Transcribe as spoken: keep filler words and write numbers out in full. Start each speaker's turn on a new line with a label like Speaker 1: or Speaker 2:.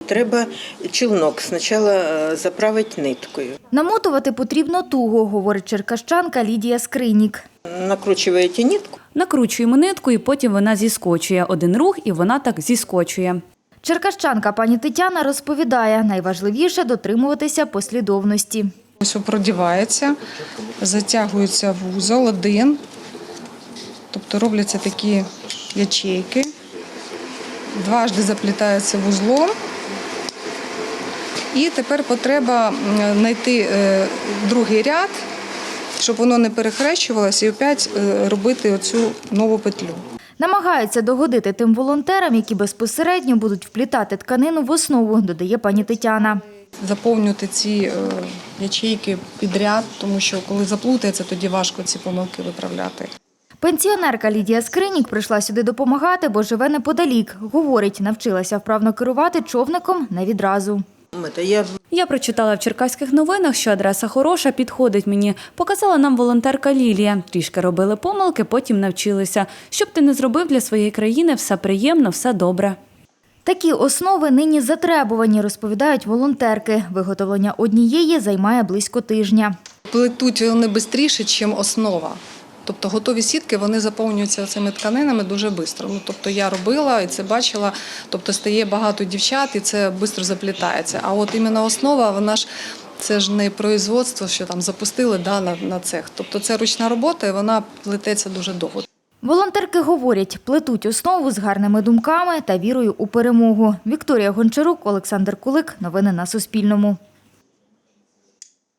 Speaker 1: Треба чулнок спочатку заправити ниткою.
Speaker 2: Намотувати потрібно туго, говорить черкащанка Лідія Скринік.
Speaker 1: Накручуєте нитку.
Speaker 3: Накручуємо нитку і потім вона зіскочує. Один рух і вона так зіскочує.
Speaker 2: Черкащанка пані Тетяна розповідає, найважливіше – дотримуватися послідовності.
Speaker 4: Ось продівається, затягується вузол один, тобто робляться такі ячейки, дважди заплітається вузлом. І тепер потреба знайти другий ряд, щоб воно не перехрещувалося, і опять робити оцю нову петлю.
Speaker 2: Намагаються догодити тим волонтерам, які безпосередньо будуть вплітати тканину в основу, додає пані Тетяна.
Speaker 4: Заповнювати ці ячейки підряд, тому що коли заплутається, тоді важко ці помилки виправляти.
Speaker 2: Пенсіонерка Лідія Скринік прийшла сюди допомагати, бо живе неподалік. Говорить, навчилася вправно керувати човником не відразу.
Speaker 1: Я...
Speaker 3: Я прочитала в черкаських новинах, що адреса хороша, підходить мені. Показала нам волонтерка Лілія. Трішки робили помилки, потім навчилися. Щоб ти не зробив для своєї країни, все приємно, все добре.
Speaker 2: Такі основи нині затребувані, розповідають волонтерки. Виготовлення однієї займає близько тижня.
Speaker 4: Плетуть вони швидше, ніж основа. Тобто готові сітки, вони заповнюються цими тканинами дуже швидко. Ну, тобто я робила і це бачила, тобто стає багато дівчат і це швидко заплітається. А от іменно основа, вона ж, це ж не производство, що там запустили да, на, на цех. Тобто це ручна робота і вона плететься дуже довго.
Speaker 2: Волонтерки говорять, плетуть основу з гарними думками та вірою у перемогу. Вікторія Гончарук, Олександр Кулик. Новини на Суспільному.